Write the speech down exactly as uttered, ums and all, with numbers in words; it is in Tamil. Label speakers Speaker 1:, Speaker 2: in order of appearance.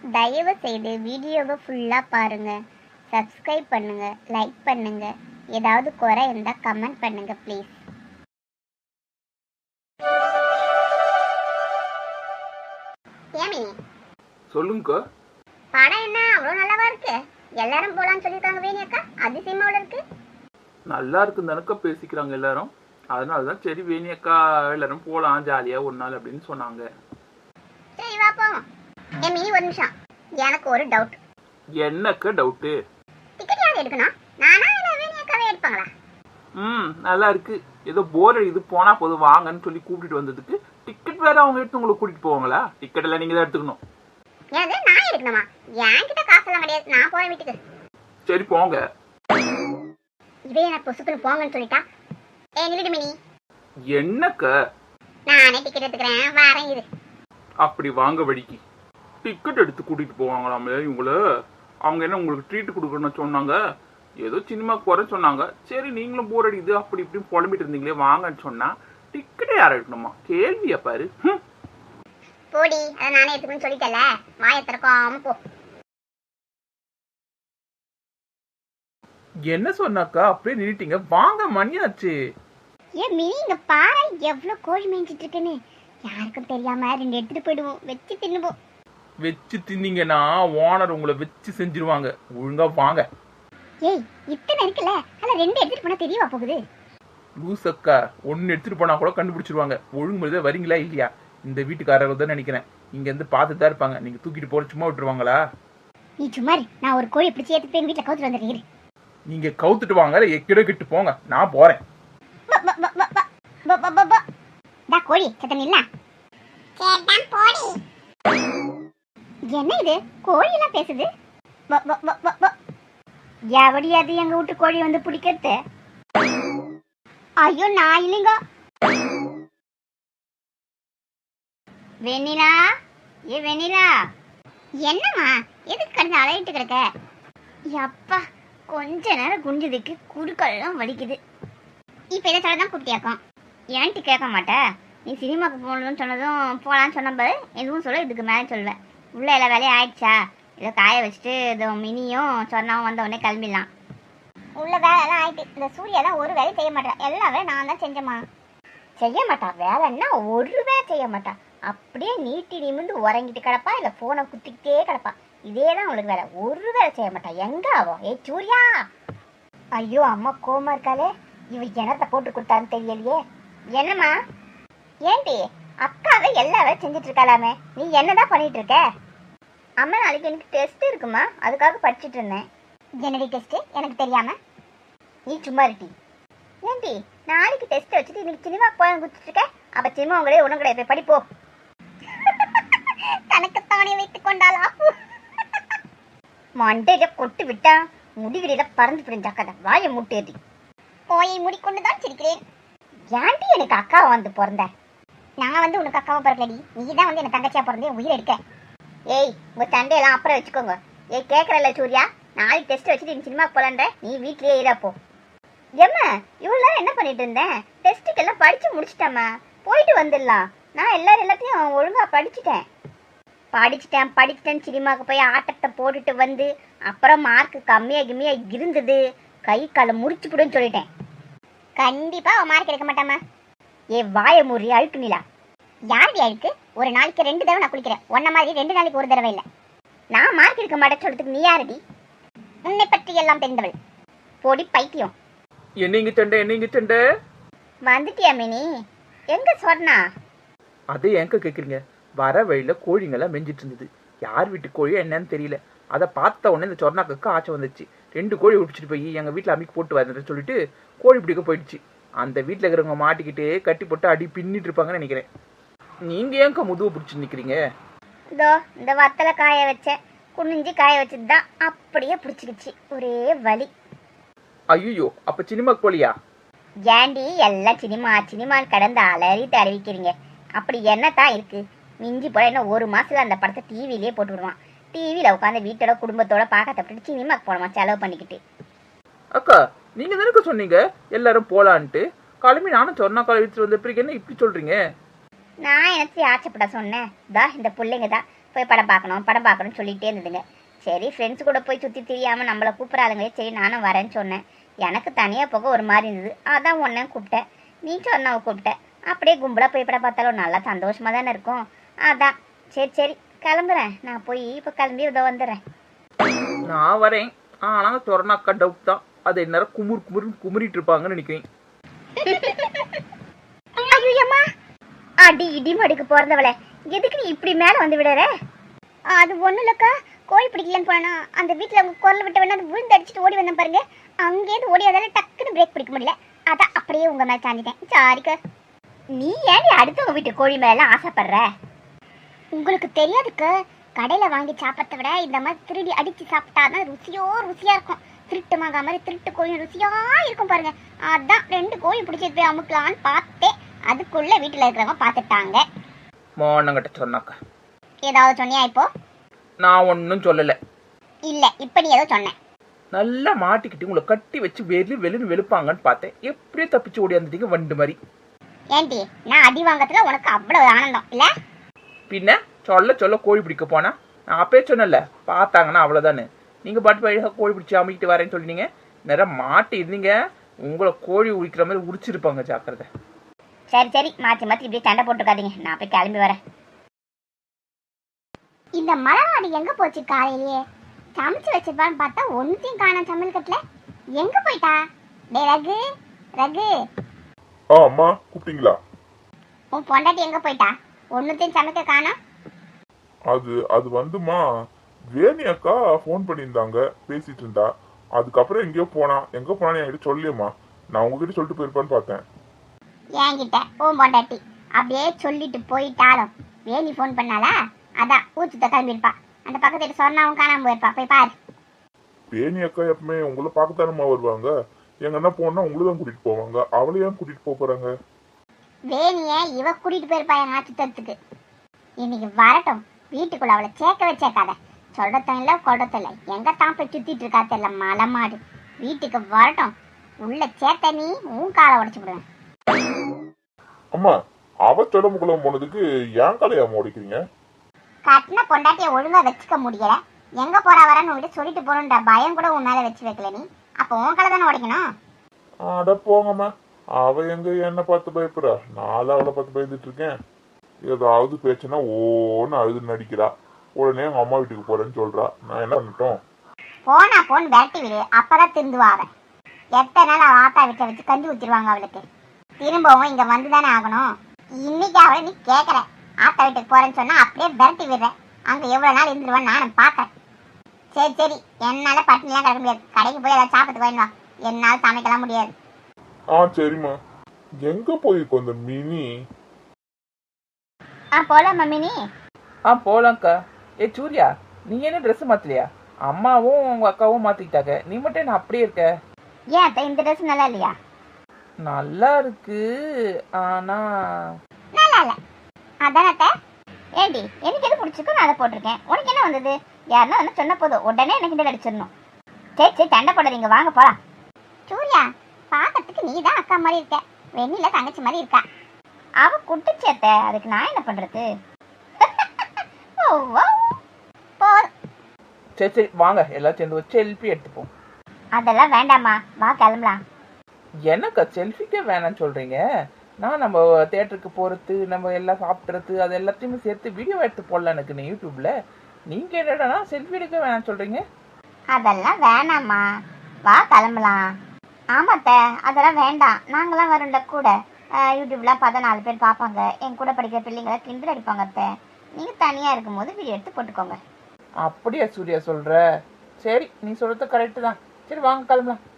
Speaker 1: தயவு செய்து வீடியோவை ஃபுல்லாக பாருங்க, சப்ஸ்கிரைப் பண்ணுங்க, லைக் பண்ணுங்க. ஏதாவது குறை இருந்தால் கமெண்ட் பண்ணுங்க ப்ளீஸ். ஏமி
Speaker 2: சொல்லுங்க.
Speaker 1: படம் என்ன அவ்வளோ நல்லாவா இருக்கு? எல்லாரும் போலான்னு சொல்லியிருக்காங்க. வேணி அக்கா அதிசயமாவில் இருக்கு.
Speaker 2: நல்லா இருக்குன்னு தானக்கா பேசிக்கிறாங்க எல்லாரும். அதனாலதான் சரி வேணி அக்கா எல்லாரும் போலாம் ஜாலியா ஒரு நாள் அப்படின்னு சொன்னாங்க.
Speaker 1: சரி வா போவோம். ஏமி ஒரு நிமிஷம், எனக்கு ஒரு டவுட்.
Speaker 2: என்னக்கா டவுட்டு?
Speaker 1: டிக்கெட் யார் எடுக்கணும்? நானா இல்லை வேணி அக்காவே எடுப்பாங்களா?
Speaker 2: ம் நல்லா இருக்கு. ஏதோ போர் இது போனா போதும் வாங்கன்னு சொல்லி கூப்பிட்டு வந்ததுக்கு டிக்கெட் வேற அவங்க எடுத்து உங்களை கூட்டிட்டு போவாங்களா? டிக்கெட் எல்லாம் நீங்க தான் எடுத்துக்கணும்.
Speaker 1: ஏது நான் எடுக்கணுமா? என்கிட்ட காசெல்லாம் கிடையாது, நான் போறேன் வீட்டுக்கு.
Speaker 2: சரி போங்க.
Speaker 1: இதே நான் பொசுக்குன்னு போங்கன்னு சொல்லிட்டா. ஏ நில்லுடு மினி.
Speaker 2: என்னக்கா?
Speaker 1: நானே டிக்கெட் எடுத்துக்கிறேன், வரேன் இரு.
Speaker 2: அப்படி வாங்க வழிக்கு டிக்கெட் எடுத்து கூட்டிட்டு போவாங்களாமே இவங்கள. அவங்க என்ன உங்களுக்கு ட்ரீட் கொடுக்கணும்னு சொன்னாங்க. ஏதோ சினிமாக்கு போற சொன்னாங்க. சரி நீங்களும் போர் அடிக்குது அப்படி இப்படின்னு புலம்பிட்டு இருந்தீங்களே வாங்கன்னு சொன்னா டிக்கெட்டை யார் எடுக்கணுமா? கேள்வியா பாரு.
Speaker 1: போடி, அதை நானே எடுத்துக்கணும்னு சொல்லிட்டல, வாயை திறக்காம போ.
Speaker 2: என்ன சொன்னாக்கா அப்படியே நின்னுட்டீங்க? வாங்க மணியாச்சு.
Speaker 1: ஏன் மினி இங்க பாரு எவ்வளவு கோழி மேய்ஞ்சிட்டு இருக்குன்னு. யாருக்கும் தெரியாம ரெண்டு எடுத்துட்டு போயிடுவோம், வச்சு தின்னுவோம்.
Speaker 2: வச்சு தின்னீங்கன்னா ஓனர் உங்களை வச்சு செஞ்சிருவாங்க. ஒழுங்கா வாங்க.
Speaker 1: ஏய் இத்தனை இருக்குல்ல, ஆனா ரெண்டு எடுத்துட்டு போனா தெரியவா போகுது?
Speaker 2: லூசக்கா ஒன்னு எடுத்துட்டு போனா கூட கண்டுபிடிச்சிருவாங்க. ஒழுங்கு முறையா வரீங்களா இல்லையா? இந்த வீட்டுக்காரர்கள் தான் நினைக்கிறேன். இங்க இருந்து பார்த்துட்டு தான் இருப்பாங்க. நீங்க தூக்கிட்டு போற சும்மா விட்டுருவாங்களா?
Speaker 1: நீ சும்மா நான் ஒரு கோழி பிடிச்சி ஏத்து போய் வீட்டுல கவுத்துட்டு வந்துடுறேன்.
Speaker 2: நீங்க கவுத்துட்டு வாங்க, எக்கிட கிட்டு போங்க, நான் போறேன்.
Speaker 1: கோழி சத்தம் இல்ல. என்ன இது கோழி எல்லாம் பேசுது? எவடியாது எங்க வீட்டு கோழி வந்து பிடிக்கிறது? ஐயோ நான் இல்லைங்க. வெண்ணிலா, ஏ வெண்ணிலா. என்னம்மா எதுக்கு கடந்து அலையிட்டு கிடக்க? அப்பா கொஞ்ச நேரம் குஞ்சதுக்கு குறுக்கெல்லாம் வலிக்குது. இப்ப இதை சொல்லதான் கூப்பிட்டியாக்கும். ஏன்ட்டு கேட்க மாட்டேன். நீ சினிமாவுக்கு போகணும்னு சொன்னதும் போகலான்னு சொன்னபோது எதுவும் சொல்ல, இதுக்கு மேலே சொல்லுவேன். உள்ள எல்லா வேலையும் ஆயிடுச்சா? இதை காய வச்சுட்டு இதோ மினியும் சொன்னாவும் வந்த உடனே கிளம்பிடலாம். உள்ள வேலையெல்லாம் ஆயிட்டு. இந்த சூர்யா தான் ஒரு வேலையும் செய்ய மாட்டேன். எல்லா வேலையும் நான் தான் செஞ்சேம்மா. செய்ய மாட்டா வேலைன்னா ஒரு வேலை செய்ய மாட்டா. அப்படியே நீட்டி நிமிந்து உறங்கிட்டு கிடப்பா, இல்லை ஃபோனை குத்திக்கிட்டே கிடப்பா. இதே தான் உங்களுக்கு வேலை. ஒரு வேலை செய்ய மாட்டா. எங்க ஆகும்? ஏ சூர்யா. ஐயோ அம்மா கோமா இருக்காளே, இவ என்னத்தை போட்டு கொடுத்தான்னு தெரியலையே. என்னம்மா? ஏன்டி அக்காவை எல்லா வேலை செஞ்சுட்டு இருக்காளாமே, நீ என்னதான் பண்ணிட்டு இருக்க? அம்மா நாளைக்கு எனக்கு டெஸ்ட் இருக்குமா, அதுக்காக படிச்சுட்டு இருந்தேன். என்னடி டெஸ்ட் எனக்கு தெரியாம? நீ சும்மா இருட்டி. ஏன்டி நாளைக்கு டெஸ்ட் வச்சுட்டு இன்னைக்கு சினிமா போய் குடிச்சிட்டு இருக்க? அப்ப சினிமா உங்களே ஒன்றும் கிடையாது, போய் படிப்போ. தனக்குத்தானே வைத்துக் கொண்டாளா? மண்டையில கொட்டு விட்டா முடிவில பறந்து பிடிஞ்சாக்காத. வாயை முட்டேறி கோயை மூடிக்கொண்டுதான் சிரிக்கிறேன். ஏன்டி எனக்கு அக்காவை வந்து பிறந்த? நான் வந்து உனக்கு அக்காவை பிறக்கலடி, நீ தான் வந்து எனக்கு தங்கச்சியா பிறந்தே உயிர் எடுக்க. ஏய் உங்க சண்டையெல்லாம் அப்புறம் வச்சுக்கோங்க. ஏய் கேட்கறல சூர்யா, நாளைக்கு டெஸ்ட் வச்சுட்டு நீ சினிமா போலன்ற, நீ வீட்லயே இருப்போ. ஏம்மா இவ்வளோ நேரம் என்ன பண்ணிட்டு இருந்தேன்? டெஸ்ட்டுக்கு எல்லாம் படிச்சு முடிச்சிட்டேம்மா, போயிட்டு வந்துடலாம். நான் எல்லாரும் எல்லாத்தையும் ஒழுங்கா படிச்சுட்டேன் படிச்சுட்டேன் படிச்சுட்டேன் சினிமாவுக்கு போய் ஆட்டத்தை போட்டுட்டு வந்து அப்புறம் மார்க்கு கம்மியாக கம்மியாக இருந்தது, கை காலை முறிச்சு போடுன்னு சொல்லிட்டேன். கண்டிப்பா அவன் மார்க் எடுக்க மாட்டாமா. ஏ வாய முறி அழுக்கு நிலா. யாருடைய அழுக்கு? ஒரு நாளைக்கு ரெண்டு தடவை நான் குளிக்கிறேன், ஒன்ன மாதிரி ரெண்டு நாளைக்கு ஒரு தடவை இல்லை. நான் மார்க் எடுக்க மாட்டேன்னு சொல்றதுக்கு நீ யாருடி? உன்னை பற்றி எல்லாம் தெரிந்தவள். போடி பைத்தியம்.
Speaker 2: என்னங்க சண்டை என்னங்க சண்டை?
Speaker 1: வந்துட்டியா மினி? எங்க சொன்னா?
Speaker 2: அதே எங்க கேக்குறீங்க? வர வழியில கோழிங்கெல்லாம் மெஞ்சிட்டு இருந்தது. யார் வீட்டு கோழியோ என்னன்னு தெரியல. அதை பார்த்த உடனே இந்த சொர்ணாக்கு ஆச்சை வந்துச்சு. ரெண்டு கோழி பிடிச்சிட்டு போய் எங்க வீட்டுல அம்மிக்கு போட்டு வந்துட்டு சொல்லிட்டு கோழி பிடிக்க போயிடுச்சு. அந்த வீட்டுல இருக்கிறவங்க மாட்டிக்கிட்டு கட்டி போட்டு அடி பின்னிட்டு இருப்பாங்கன்னு நினைக்கிறேன். நீங்க ஏங்க முதுகு பிடிச்சி நிக்கிறீங்க?
Speaker 1: இதோ இந்த வத்தலை காய வச்சேன், குனிஞ்சு காய வச்சதுதான் அப்படியே பிடிச்சிக்கிச்சு, ஒரே வலி.
Speaker 2: ஐயோ அப்ப சினிமாக்கு போலியா?
Speaker 1: ஏண்டி எல்லாம் சினிமா சினிமான்னு கடந்து அலறிட்டு அறிவிக்கிறீங்க? அப்படி என்னத்தான் இருக்கு? மிஞ்சி போல என்ன ஒரு மாசத்துல அந்த படத்தை டிவிலேயே போட்டு விடுவான். டிவியில உட்காந்து வீட்டோட குடும்பத்தோட பார்க்க தப்பிட்டு சினிமாக்கு போனோமா செலவு பண்ணிக்கிட்டு.
Speaker 2: அக்கா நீங்க தானே சொன்னீங்க எல்லாரும் போலான்ட்டு? கிளம்பி நானும் சொன்னா கழிச்சு வந்த பிறகு என்ன இப்படி சொல்றீங்க?
Speaker 1: நான் எனக்கு ஆச்சப்பட சொன்னேன். தா இந்த பிள்ளைங்க தான் போய் படம் பார்க்கணும் படம் பார்க்கணும்னு சொல்லிகிட்டே இருந்ததுங்க. சரி ஃப்ரெண்ட்ஸ் கூட போய் சுற்றி தெரியாமல் நம்மளை கூப்பிட்றாளுங்களே, சரி நானும் வரேன்னு சொன்னேன். எனக்கு தனியாக போக ஒரு மாதிரி இருந்தது, அதான் ஒன்றே கூப்பிட்டேன். நீ சொன்னவ கூப்பிட்டேன். அப்படியே கும்பலாக போய் படம் பார்த்தாலும் நல்லா சந்தோஷமாக தானே இருக்கும். அதான் சரி சரி கிளம்புறேன். நான் போய் இப்போ கிளம்பி இதோ வந்துடுறேன்.
Speaker 2: நான் வரேன். ஆனால் சொர்ணாக்கா டவுட் தான். அது எந்நேரம் குமுறு குமுறுன்னு குமுறிட்டு இருப்பாங்கன்னு நினைக்கிறேன்.
Speaker 1: ஐயோம்மா, அடி இடி மடிக்கு பிறந்தவளே, எதுக்கு நீ இப்படி மேலே வந்து விடுற? அது ஒன்றும் இல்லைக்கா, கோழி பிடிக்கலன்னு போனா அந்த வீட்டில் அவங்க குரல் விட்ட வேணா அது விழுந்து அடிச்சுட்டு ஓடி வந்தேன் பாருங்க. அங்கேயிருந்து ஓடி அதால டக்குன்னு பிரேக் பிடிக்க முடியல, அதான் அப்படியே உங்கள் மேலே சாஞ்சிட்டேன். சாரிக்கா. நீ ஏன் அடுத்தவங்க வீட்டு கோழி மேலாம் ஆசைப்படுற? உங்களுக்கு தெரியாதுக்கு, கடையில் வாங்கி சாப்பிட்றத விட இந்த மாதிரி திருடி அடித்து சாப்பிட்டாதான் ருசியோ ருசியாக இருக்கும். திருட்டு மாங்கா மாதிரி திருட்டு கோழி ருசியாக இருக்கும் பாருங்க. அதான் ரெண்டு கோழி பிடிச்சது போய் அமுக்கலான்னு பார்த்தேன். அதுக்குள்ள வீட்டில் இருக்கிறவங்க பார்த்துட்டாங்க.
Speaker 2: மோனங்கிட்ட சொன்னாக்கா
Speaker 1: ஏதாவது சொன்னியா இப்போ?
Speaker 2: நான் ஒன்றும் சொல்லலை.
Speaker 1: இல்லை, இப்போ நீ ஏதோ சொன்னேன்.
Speaker 2: நல்லா மாட்டிக்கிட்டு உங்களை கட்டி வச்சு வெளி வெளின்னு வெளுப்பாங்கன்னு பார்த்தேன். எப்படியே தப்பிச்சு ஓடியாந்துட்டீங்க வண்டு மாதிரி.
Speaker 1: ஏன்டி, நான் அடி வாங்கத்துல உனக்கு அவ்வளவு ஆனந்தம் இல்லை?
Speaker 2: பின்ன சொல்ல சொல்ல கோழி பிடிக்க போனா நான் அப்பயே சொன்னல, பார்த்தாங்கன்னா அவ்வளோதானே. நீங்கள் பாட்டு வழியாக கோழி பிடிச்சி அமைக்கிட்டு வரேன்னு சொல்லிட்டீங்க. நேரம் மாட்டி இருந்தீங்க, உங்களை கோழி உரிக்கிற மாதிரி உரிச்சிருப்பாங்க. ஜாக்கிரதை.
Speaker 1: சரி சரி, மாற்றி மாற்றி இப்படி சண்டை போட்டுக்காதீங்க. நான் போய் கிளம்பி வரேன். இந்த மலவாடி எங்க போச்சு? காலையிலேயே சமைச்சு வச்சிருப்பான்னு பார்த்தா ஒன்றையும் காணோம் சமையல் கட்டில். எங்க போயிட்டா? டே ரகு, ரகு.
Speaker 3: ஆ அம்மா, கூப்பிட்டீங்களா?
Speaker 1: உன் பொண்டாட்டி எங்க போயிட்டா? ஒன்றுத்தையும் சமைக்க காணோம்.
Speaker 3: அது அது வந்துமா, வேணி அக்கா ஃபோன் பண்ணியிருந்தாங்க, பேசிட்டு இருந்தா. அதுக்கப்புறம் எங்கேயோ போனா. எங்க போனான்னு என்கிட்ட சொல்லியம்மா. நான் உங்ககிட்ட சொல்லிட்டு போயிருப்பான்னு பார்த்தேன்.
Speaker 1: என்கிட்ட உன் பொண்டாட்டி அப்படியே சொல்லிட்டு போயிட்டாலும் வேணி ஃபோன் பண்ணாலா? அதான் ஊச்சுத்த கிளம்பியிருப்பா. அந்த பக்கத்து சொன்னாவும் காணாம போயிருப்பா. போய் பாரு.
Speaker 3: வேணி அக்கா எப்பவுமே உங்களை பார்க்கத்தானம்மா வருவாங்க. எங்கன்னா போனா உங்களை தான் கூட்டிட்டு போவாங்க. அவளை ஏன் கூட்டிட்டு போக போறாங்க?
Speaker 1: வேணிய இவ கூட்டிட்டு போயிருப்பா எங்க சுத்தத்துக்கு. இன்னைக்கு வரட்டும், வீட்டுக்குள்ள அவளை சேர்க்கவே சேர்க்காத. சொல்றதும் இல்லை கொள்றதும் இல்லை. எங்க தான் போய் சுத்திட்டு இருக்கா தெரியல மலமாடு. வீட்டுக்கு வரட்டும், உள்ள சேர்த்த நீ உன் காலை உடைச்சு விடுவேன்.
Speaker 3: அம்மா, அவ தொடம்புக்குள்ள போனதுக்கு ஏன் காலையாம உடைக்கிறீங்க?
Speaker 1: கட்டின பொண்டாட்டிய ஒழுங்கா வச்சுக்க முடியல. எங்க போறா வரன்னு உங்ககிட்ட சொல்லிட்டு போகணுன்ற பயம் கூட உன் மேல வச்சு வைக்கல நீ. அப்போ உன் காலை தானே உடைக்கணும்.
Speaker 3: அட போங்கம்மா, அவ எங்க என்ன பார்த்து பயப்படுறா? நான் அவளை பார்த்து பயந்துட்டு இருக்கேன். ஏதாவது பேச்சுன்னா ஓன்னு அழுது நடிக்கிறா. உடனே எங்க அம்மா வீட்டுக்கு போறேன்னு சொல்றா. நான் என்ன பண்ணட்டும்?
Speaker 1: போனா போன் விரட்டி விடு, அப்பதான் திருந்துவா அவன். எத்தனை நாள் அவ ஆத்தா வீட்டை வச்சு கஞ்சி ஊத்திடுவாங்க அவளுக்கு. திரும்பவும் இங்க வந்துதானே ஆகணும். இன்னைக்கு அவளை நீ கேட்கற ஆத்தா வீட்டுக்கு போறேன்னு சொன்னா அப்படியே விரட்டி விடுற. அங்க எவ்வளவு நாள் இருந்துருவான்னு நானும் பாக்கேன். சரி சரி, என்னால பட்டினிலாம் கிடக்க முடியாது. கடைக்கு போய் ஏதாவது சாப்பிட்டு வேணுமா? என்னால சமைக்கலாம் முடியாது.
Speaker 3: ஆ சரிம்மா. எங்க போயிருக்கோம் இந்த மினி?
Speaker 1: ஆ போலாம் மம்மினி.
Speaker 2: ஆ போலாம்க்கா. ஏ சூர்யா, நீ என்ன ட்ரெஸ் மாத்தலையா? அம்மாவும் உங்க அக்காவும் மாத்திக்கிட்டாங்க, நீ மட்டும் என்ன அப்படியே இருக்க?
Speaker 1: ஏன் அத்தை, இந்த ட்ரெஸ் நல்லா இல்லையா?
Speaker 2: நல்லா இருக்கு, ஆனா
Speaker 1: நல்லா இல்ல. அதான அத்தை. ஏடி, எனக்கு எது பிடிச்சிருக்கோ நான் அதை போட்டிருக்கேன். உனக்கு என்ன வந்தது? யாருன்னா வந்து சொன்ன போதும் உடனே எனக்கு இந்த அடிச்சிடணும். சரி சரி, சண்டை போடாதீங்க, வாங்க போலாம். சூர்யா, பார்க்கறதுக்கு நீ தான் அக்கா மாதிரி இருக்க, வெண்ணில தங்கச்சி மாதிரி இருக்கா. அவ குட்டிச்சேத்த, அதுக்கு நான் என்ன பண்றது?
Speaker 2: சரி சரி வாங்க, எல்லாம் சேர்ந்து ஒரு செல்ஃபி எடுத்துப்போம்.
Speaker 1: அதெல்லாம் வேண்டாமா, வா கிளம்பலாம்.
Speaker 2: எனக்கா செல்ஃபிக்கே வேணாம்னு சொல்றீங்க? நான் நம்ம தேட்டருக்கு போறது, நம்ம எல்லாம் சாப்பிட்றது, அது எல்லாத்தையுமே சேர்த்து வீடியோ எடுத்து போடலாம் எனக்கு நீ யூடியூப்ல. நீங்க என்னடா செல்ஃபி எடுக்க வேணாம்னு சொல்றீங்க?
Speaker 1: அதெல்லாம் வேணாமா, வா கிளம்பலாம். ஆமாத்த, அதெல்லாம் வேண்டாம். நாங்களாம் வரல கூட. யூடியூப்லாம் பார்த்தா நாலு பேர் பார்ப்பாங்க. என் கூட படிக்கிற பிள்ளைங்களை கிண்டல் அடிப்பாங்க. அத்தை, நீங்க தனியா இருக்கும் போது வீடியோ எடுத்து போட்டுக்கோங்க.
Speaker 2: அப்படியா சூர்யா சொல்ற? சரி, நீ சொல்றது கரெக்டு தான். சரி வாங்க கிளம்பலாம்.